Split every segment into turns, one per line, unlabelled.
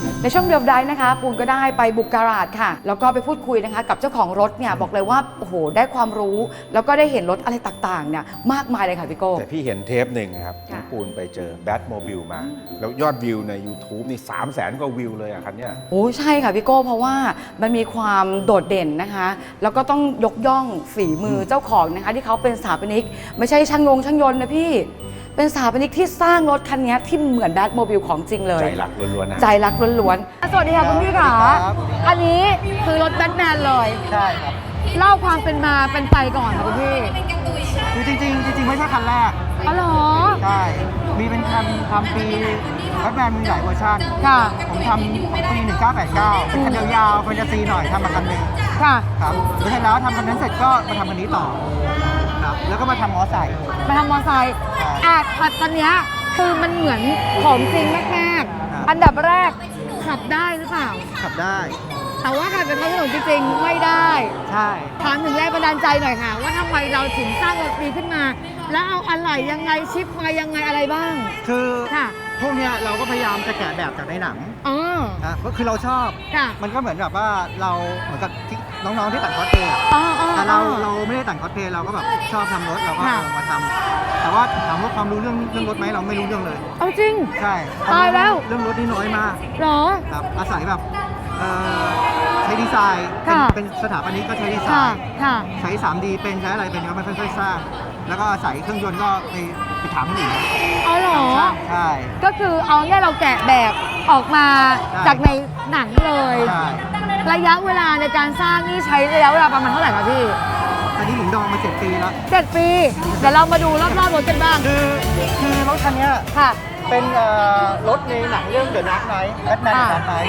ในช่วงเดียวได้นะคะปูนก็ได้ไปบุกการาจค่ะแล้วก็ไปพูดคุยนะคะกับเจ้าของรถเนี่ยบอกเลยว่าโอ้โหได้ความรู้แล้วก็ได้เห็นรถอะไรต่างๆเนี่ยมากมายเลยค่ะพี่โก้
แต่พี่เห็นเทปหนึ่งครับน้องปูนไปเจอแบทโมบิลมาแล้วยอดวิวใน YouTube นี่300,000 กว่าวิวเลยอะคันเนี้ย
โอ้ใช่ค่ะพี่โก้เพราะว่ามันมีความโดดเด่นนะคะแล้วก็ต้องยกย่องฝีมือเจ้าของนะคะที่เขาเป็นสถาปนิกไม่ใช่ช่างยนต์นะพี่เป็นสถาปนิกที่สร้างรถคันนี้ที่เหมือนแบทโมบิลของจริงเลย
ใจรักล้วนๆนะ
ใจรักล้วนๆสวัสดีค่ะคุณพี่ค่ะอันนี้คือรถแบทแมนเลย
ใช่ครับ
เล่าความเป็นมาเป็นไปก่อนค่ะคุณพี่
คือจริงไม่ใช่คันแรก
อ๋อเหรอ
ใช่มีเป็นคันทำปีแบทแมนมีหลายเวอร์ชัน
ค่ะ
ผมทำปี 1989เป็นคันยาวๆแฟนตาซีหน่อยทำมาคันหนึ่ง
ค่ะ
ครับแล้วเสร็จแล้วทำคันนั้นเสร็จก็มาทำคันนี้ต่อครับแล้วก็มาทำมอไซค์
ตอนนี้คือมันเหมือนของจริงมากๆอันดับแรกขับได้หรือเปล่า
ขับได้
แต่ว่าการเป็นท้องถนนจริงๆไม่ได้
ใช่
ถามถึงแรงบันดาลใจหน่อยค่ะว่าทำไมเราถึงสร้างรถปีขึ้นมาแล้วเอาอะไรยังไงชิปมายังไงอะไรบ้าง
คือ
ค่ะ
พวกเนี้ยเราก็พยายามจะแกะแบบจากในหนังก็คือเราชอบมันก็เหมือนแบบว่าเราเหมือนกับที่น้องๆที่แต่งคอสเพลย์แต่เราไม่ได้แต่งคอสเพลย์เราก็แบบชอบทำรถเราก็มาทำแต่ว่าถามว่าความรู้เรื่องรถไหมเราไม่รู้เรื่องเลย
เอาจริง
ใช่
ตายแล้ว
เรื่องรถนี่น้อยมาก
หรอ
ครับอาศัยแบบใช้ดีไซน์เป็นสถาปนิกก็ใช้ดีไซน์ใช้ 3D เป็นใช้อะไรเป็นก็ไม่ค่อยสร้างแล้วก็อาศัยเครื่องยนต์ก็ไปถามคนอื่น
อ๋อเหรอ
ใช่
ก็คือเอาเนี่ยเราแกะแบบออกมาจากในหนังเลยระยะเวลาในการสร้างนี่ใช้ระยะเวลาประมาณเท่าไหร่คะพี่
อันนี้ผมดองมา7 ปีแล้ว
7 ปีเดี๋ยวเรามาดูรอบๆรถกันบ้าง
คือรถคันนี้
ค่ะ
เป็นรถในหนังเรื่อง The Dark Knight แบทแมน Dark Knight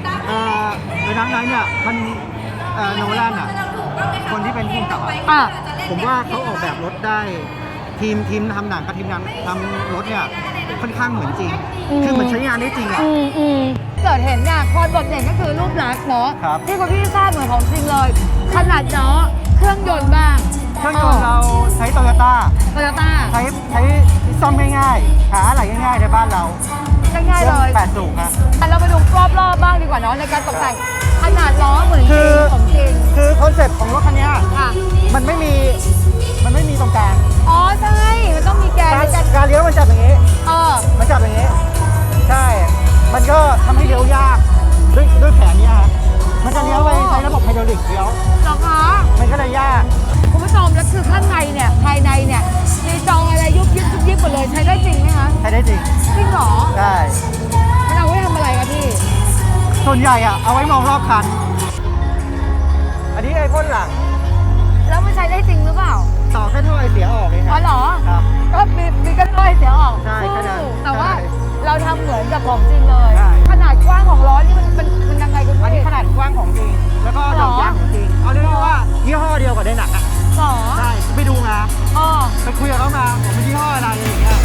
The Dark Knight เนี่ยมันโนแลนอ่ะคนที่เป็นผู้กำกับผมว่าเขาออกแบบรถได้ทีมทำหนังกับทีมงานทำรถเนี่ยค่อนข้างเหมือนจริงคือเหมือนใช้งานได้จริงอ่ะ
เกิดเห็นเนี่ยความโดดเด่นก็คือรูปลักษณ์เนาะที่คุณพี่ทราบเหมือนของจริงเลยขนาดเนาะเครื่องยนต์บ้าง
เครื่องยนต์เราใช้โตโยต้าใช้ซ่อมง่ายๆหาอะไรง่ายๆในบ้านเรา
ง่ายๆเลย
8 สูบครับ
เราไปดูรอบๆบ้างดีกว่าเนาะในการตกแต่งขนาดล้อเหมือนของจริง
คือคอนเซ็ปต์ของรถคันนี้มันไม่มีตรงกลาง
อ๋อใช่มันต้องมี
การเลี้ยวมันจับอย่างนี้มันจับอย่างนี้ใช่มันก็ทำให้เลี้ยวยากด้วยแขนนี้ฮะมันจะเลี้ยวไปใช้ระบบไฮดรอลิกเลี้ยว
หรอคะ
มันก็เลยยาก
คุณผู้ชมแล้วคือข้างในเนี่ยภายในเนี่ยมีจออะไรยุบยิบหมดเลยใช้ได้จริงไหมคะ
ใช้ได้จริง
เหรอ
ใช่
มันเอาไว้ทำอะไรคะพี่
ส่วนใหญ่เอาไว้มองรอบคันอันนี้ไอ้พ่นหลัง
แล้วมันใช้ได้จริงหรือเปล่า
ต่อแค่ท่อไอเสียออกเอง
ครับอ๋อเหรอ
ครับ
ก็มีแค่ท่อไอเสียออก
ใช่
แต่ว่าเราทำเหมือนกับของจริงเลยขนาดกว้างของล้อนี่มันยังไงคุณพี่
อันนี้ขนาดกว้างของจริงแล้วก็ดอกยางของจริงเอาเรียกว่ายี่ห้อเดียวกับในหนังอ่ะใช่ไปดูมาไปคุยกับเขามาผมเป็นยี่ห้ออะไรอย่างเงี้ย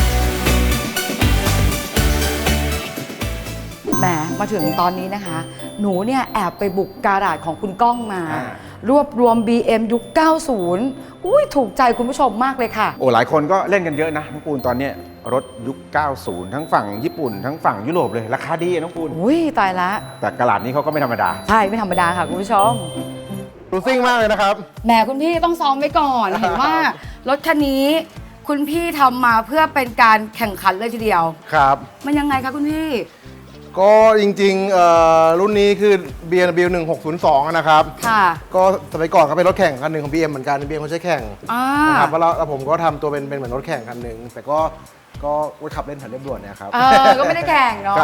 แหมมาถึงตอนนี้นะคะหนูเนี่ยแอบไปบุกการาจของคุณก้องมารวบรวม BM ยุค 90 อุ้ยถูกใจคุณผู้ชมมากเลยค่ะ
โอ้หลายคนก็เล่นกันเยอะนะน้องปูนตอนนี้รถยุค 90 ทั้งฝั่งญี่ปุ่นทั้งฝั่งยุโรปเลยราคาดีน้องปูน
อุ้ยตายละ
แต่กระดาษนี้เขาก็ไม่ธรรมดา
ใช่ไม่ธรรมดาค่ะคุณผู้ชม
ดูซิ่งมากเลยนะครับ
แหมคุณพี่ต้องซ้อมไว้ก่อน เห็นว่ารถคันนี้คุณพี่ทำมาเพื่อเป็นการแข่งขันเลยทีเดียว
ครับ
มันยังไงคะคุณพี่
ก็จริงๆรุ่นนี้คือ BMW 1602นะครับ
ค่ะ
ก็สมัยก่อนก็เป็นรถแข่งคันหนึ่งของ BM เหมือนกัน BM เขาใช้แข่งนะครับแล้วผมก็ทำตัวเป็นเหมือนรถแข่งคันหนึ่งแต่ก็ขับเล่นผ่านเรียบด่วนเนี่ยครับ
ก็ไม่ได้แข่งเนาะ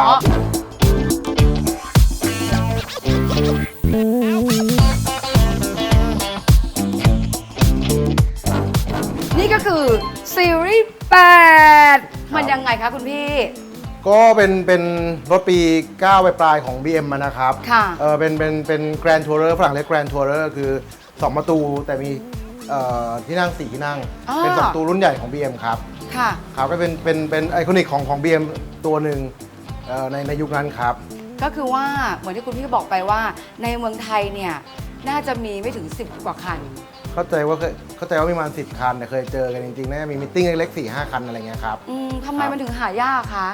นี่ก็คือซีรีส์8มันยังไงคะคุณพี่
ก็เป็นรถปี 9 ปลายของ BM นะครับ
ค่ะ
เป็น Grand Tourer ฝรั่งเรียก Grand Tourer คือ2 ประตูแต่มีที่นั่ง4 ที่นั่งเป็น2 ประตูรุ่นใหญ่ของ BM ครับ
ค่ะ
ครับก็เป็นไอคอนิกของ BM ตัวหนึ่งในยุคนั้นครับ
ก็คือว่าเหมือนที่คุณพี่บอกไปว่าในเมืองไทยเนี่ยน่าจะมีไม่ถึง10 กว่าคัน
เข้าใจว่ามีประมาณ10 คันแต่เคยเจอกันจริงๆน่าจะมีมิทติ้งเล็กๆ 4-5 คันอะไรเงี้ยครับ
ทำไมมันถึงหายากคะ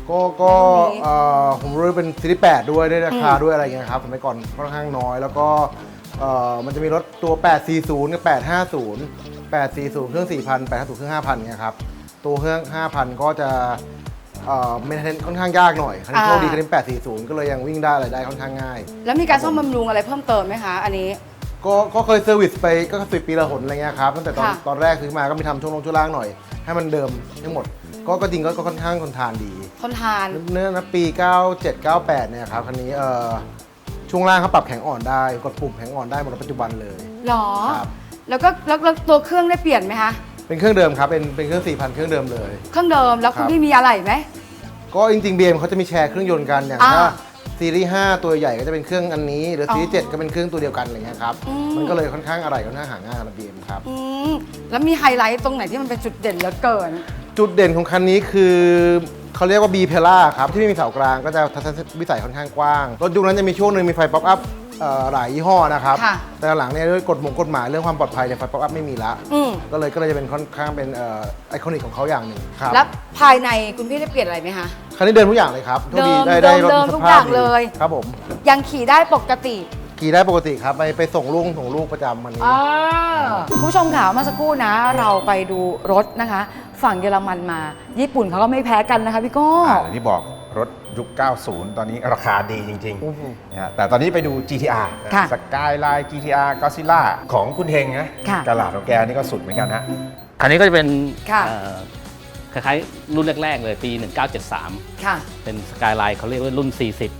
ก็ผมรู้เป็นซีรีส์8ด้วยราคาด้วยอะไรเงี้ยครับสมัยก่อนค่อนข้างน้อยแล้วก็มันจะมีรถตัว 840 กับ 850 840 เครื่อง 4,000 850 เครื่อง 5,000เนี่ยครับตัวเครื่อง 5,000 ก็จะเมนเทนค่อนข้างยากหน่อยคันนี้โชคดีคันนี้840 ก็เลยยังวิ่งได้อะไรได้ค่อนข้างง่าย
แล้วมีการซ่อมบำรุงอะไรเพิ่มเติมไหมคะอันนี้
ก็เคยเซอร์วิสไปก็10 ปีละหนอะไรเงี้ยครับตั้งแต่
ค่ะ
ตอนแรกซื้อมาก็มีทำช่วงลงช่วงล่างหน่อย ให้มันเดิมทั้งหมดก็จริงก็ค่อนข้างทนทานดี
ทนทาน
เนื้อนะปี 97 98 เนี่ยครับคันนี้ช่วงล่างเขาปรับแข็งอ่อนได้กดปุ่มแข็งอ่อนได้หมดในปัจจุบันเลย
หรอ
ครับ
แล้วตัวเครื่องได้เปลี่ยนไหมคะ
เป็นเครื่องเดิมครับเป็นเครื่อง 4,000 เครื่องเดิมเลย
เครื่องเดิมแล้วคุณ
ครับ
พี่มีอะไรไหม
ก็จริงๆ BM เขาจะมีแชร์เครื่องยนต์กันอย่าง
อ่า
ถ้าซีรีส์ 5 ตัวใหญ่ก็จะเป็นเครื่องอันนี้ หรือซีรีส์ 7 ก็เป็นเครื่องตัวเดียวกันอะไรเงี้ยครับ
อืม
มันก็เลยค่อนข้างอะไรค่อนข้างหาง่ายนะ BM ครับ
อืมแล้วมีไฮไลท์ตรงไหนที่มันเป็นจุดเด่นเหลือเกิน
จุดเด่นของคันนี้คือเขาเรียกว่า B p e l l a ครับที่ไม่มีเสากลางก็จะทัศนวิสัยค่อนข้างกว้างรถยุคนั้นจะมีช่วงหนึ่งมีไฟป๊อปอัพหลายยี่ห้อนะครับ
ค่ะ
แต่หลังเนี่ยด้วยกฎหมายเรื่องความปลอดภัยเนี่ยไฟป๊อปอัพไม่มีละ
อืม
ก็เลยจะเป็นค่อนข้างเป็นไอคอนิกของเขาอย่างหนึ่งครับ
แล้วภายในคุณพี่ได้เปลี่ยนอะไรไหมคะ
คันนี้เดินทุกอย่างเลยครับโชคดี
เดิม
ได้รถ
เดิม
ส
ทุก
ภา
อ
พ
ย่าง
ดี
เลย
ครับผม
ยังขี่ได้ปกติ
ขี่ได้ปกติครับไปส่งลูกประจำวันนี้
คุณผู้ชมค่ะเมื่อสักครู่นะเราไปดูรถนะคะ ฝั่งเยอรมันมาญี่ปุ่นเขาก็ไม่แพ้กันนะคะพี่โก้
อย่างที่บอกรถยุค 90 ตอนนี้ราคาดีจริง
โอ้โห
ๆนะฮะแต่ตอนนี้ไปดู GTR
ค่ะ
สกายไลน์ GTR Godzilla ของคุณเฮงนะ
ค่ะ
กระลาดของแกนี่ก็สุดเหมือนกันฮะ
คันนี้ก็จะเป็น
ค่ะ
คล้ายๆ รุ่นแรก ๆ เลยปี 1973
ค่ะ
เป็นสกายไลน์เขาเรียกว่ารุ่น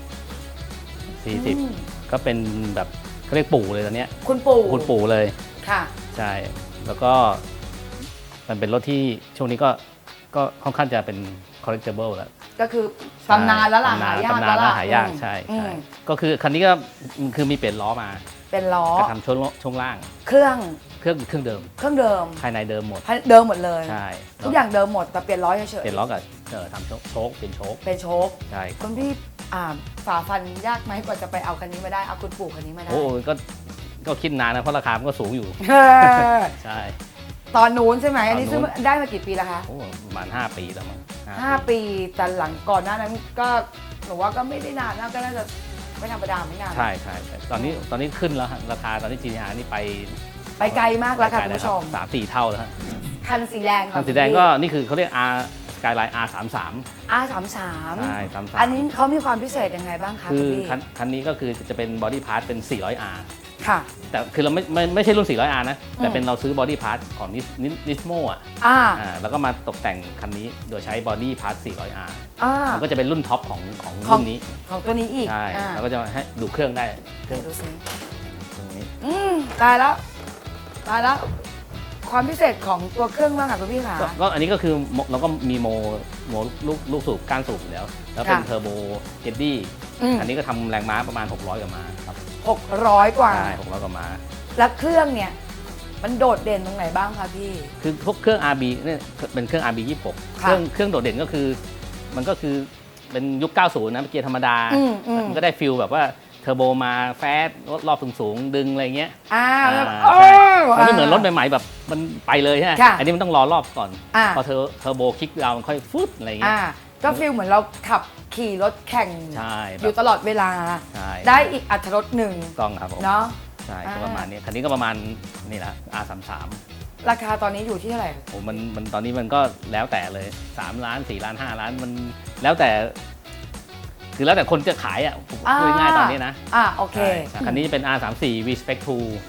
40 ก็เป็นแบบเขาเรียกปู่เลยตอนเนี้ย
คุณปู่
คุณปู่เลย
ค่ะ
ใช่ แล้วก็มันเป็นรถที่ช่วงนี้ก็ค่อนข้างจะเป็น collectible แล้ว
ก็คือตำนานแล้วล่ะหายาก
ตำนานแล้วหายาก
อืม
ใช่
อืม
ใช่ก็คือคันนี้ก็คือมีเปลี่ยนล้อมา
เป็นล้อ
ก็ทำช่วงล่าง
เครื่อง
เครื่องเดิม
เครื่องเดิม
ภายในเดิมหมด
เดิมหมดเลย
ใช่
ทุกอย่างเดิมหมดแต่เปลี่ยนล้อเฉย
เปลี่ยนล้อกับทำโชคเปลี่ยนโชค
ๆเป็นโชค
ใช่
คุณพี่ฝ่าฟันยากไหมกว่าจะไปเอาคันนี้มาได้เอาคุณปู่คันนี้มาได้
โอ้ก็คิดนานนะเพราะราคามันก็สูงอยู่
เออ
ใช่
ตอนนู้นใช่ไหมอันนี้
ตอนนู้
ซื้อน ได้มากี่ปีแล้วคะ
โอ้ประมาณ5 ปีแล้วมั้ง
5 ปีแต่หลังก่อนหน้านั้นก็หนูว่าก็ไม่ได้นานนะก็น่าจะไม่ธรรมดาไม่นาน
ใช่ตอนนี้ขึ้นแล้วฮะราคาตอนนี้ GTR นี่ไป
ไปไกลมากแล้วค่ะคุณผู้ชม
3-4 เท่าแล้วฮะ
คันสีแดง
คันสีแดงก็นี่คือเขาเรียก R Skyline R33
R33
ใช่33
อันนี้เขามีความพิเศษยังไงบ้างคะ
คื
คุ
อ
ณพี่
คันนี้ก็คือจะเป็นบอดี้พาร์ทเป็น 400R
ค่ะ
แต่คือเราไม่ใช่รุ่น 400R นะ แต่เป็นเราซื้อบอดี้พาร์ทของนิสโมอ่ะ แล้วก็มาตกแต่งคันนี้โดยใช้บอดี้พาร์ท 400R มันก็จะเป็นรุ่นท็อปของรุ่นนี้
ของตัวนี้อีก
ใช่ แล้วก็จะให้ดูเครื่องได้เครื่อง
ดูสิ
ตรงนี้
ตายแล้วตายแล้ว ความพิเศษของตัวเครื่องบ้างค่ะคุณพี่ค่ะ
ก็อันนี้ก็คือเราก็มีโมลูกสูบก้านสูบอยู่แล้ว แล้วเป็น
ค่ะ
เทอร์โบเจดดี้ อันนี้ก็ทำแรงม้าประมาณ 600 กว่าม้าครับ
600 กว่า
ใช่600 กว่าม้า
แล้วเครื่องเนี่ย มันโดดเด่นตรงไหนบ้างคะพี่
คือพวกเครื่อง RB เนี่ยเป็นเครื่อง RB 26
ค่ะ
เครื่องโดดเด่นก็คือมันก็คือเป็นยุค 90 นะเป็นเกียร์ธรรมดา มันก็ได้ฟิลแบบว่าเทอร์โบมาแฟสรอบสูงๆดึงอะไรเงี้ย
แล้ว
ใช่มันไม่เหมือนรถใหม่ๆแบบมันไปเลยใช่ไหม
ค่ะ
อันนี้มันต้องรอรอบก่อน
อ่า
พอเทอร์โบคลิกดาวน์มันค่อยฟุตอะไรเงี้ย
ก็ฟีลเหมือนเราขับขี่รถแข่ง
ใช่
อยู่ตลอดเวลา
ใช่
ได้อีกอัตรสหนึ่ง
ต้องครับผม
เนาะ
ใช่ก็ประมาณนี้คันนี้ก็ประมาณนี่แหละ R33
ราคาตอนนี้อยู่ที่เท่าไหร่
โอ้มันตอนนี้มันก็แล้วแต่เลย3 ล้าน4 ล้าน5 ล้านมันแล้วแต่ คือแล้วแต่คนจะขายอ่ะผมพูดง่ายๆตอนนี้นะ
โอเค
ใช่คันนี้จะเป็น R34 V Spec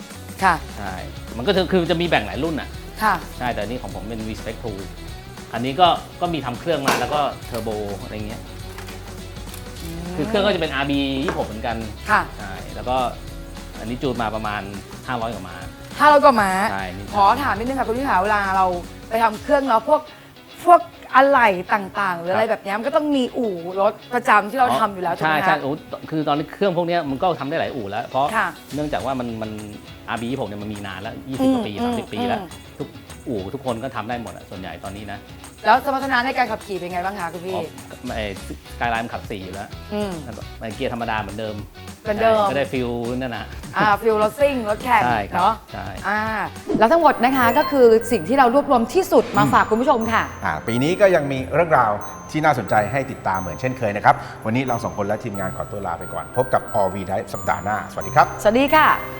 2
ค่ะ
ใช่มันก็คือจะมีแบ่งหลายรุ่นอ่ะ
ค่ะ
ใช่แต่อันนี้ของผมเป็น V Spec 2 อันนี้ก็มีทำเครื่องมาแล้วก็เทอร์โบอะไรเงี้ยคือเครื่องก็จะเป็น RB 26เหมือนกัน
ค่ะ
ใช่แล้วก็อันนี้จูนมาประมาณ500 กว่าม้า
500 กว่าม้า
ใช่นี่
ขอถามนิดนึงค่ะคุณพี่ขาเวลาเราไปทำเครื่องเนาะพวกอะไหล่ต่างๆ หรืออะไรแบบเนี้ยมันก็ต้องมีอู่รถประจำที่เราทำอยู่แล้วถูก
ใช่
ไหม
ใช่
คะ
โอ้คือตอนนี้เครื่องพวกเนี้ยมันก็ทำได้หลายอู่แล้ว เพราะ
ค่ะ
เนื่องจากว่ามัน RB 26เนี่ยมันมีนานแล้ว 20 กว่าปี 30 ปีแล้ว ทุกอู่ทุกคนก็ทำได้หมดอะส่วนใหญ่ตอนนี้นะ
แล้วสมรรถนะในการขับขี่เป็นไงบ้างคะคุณพี่
สกายไลน์มันขับ 4 อยู่แล้ว
อืม
แล้วก็เกียร์ธรรมดาเหมือนเดิม
เป็นเดิม
ก็ได้ฟิลนั่นนะ
ฟิลรถซิ่งรถแข่ง
ใช่ครับ
เนาะ
ใช่
แล้วทั้งหมดนะคะก็คือสิ่งที่เรารวบรวมที่สุดมาฝากคุณผู้ชมค่ะ
ปีนี้ก็ยังมีเรื่องราวที่น่าสนใจให้ติดตามเหมือนเช่นเคยนะครับ วันนี้เราสองคนและทีมงานขอตัวลาไปก่อน พบกับ All V Drive สัปดาห์หน้า สวัสดีครับ
สวัสดีค่ะ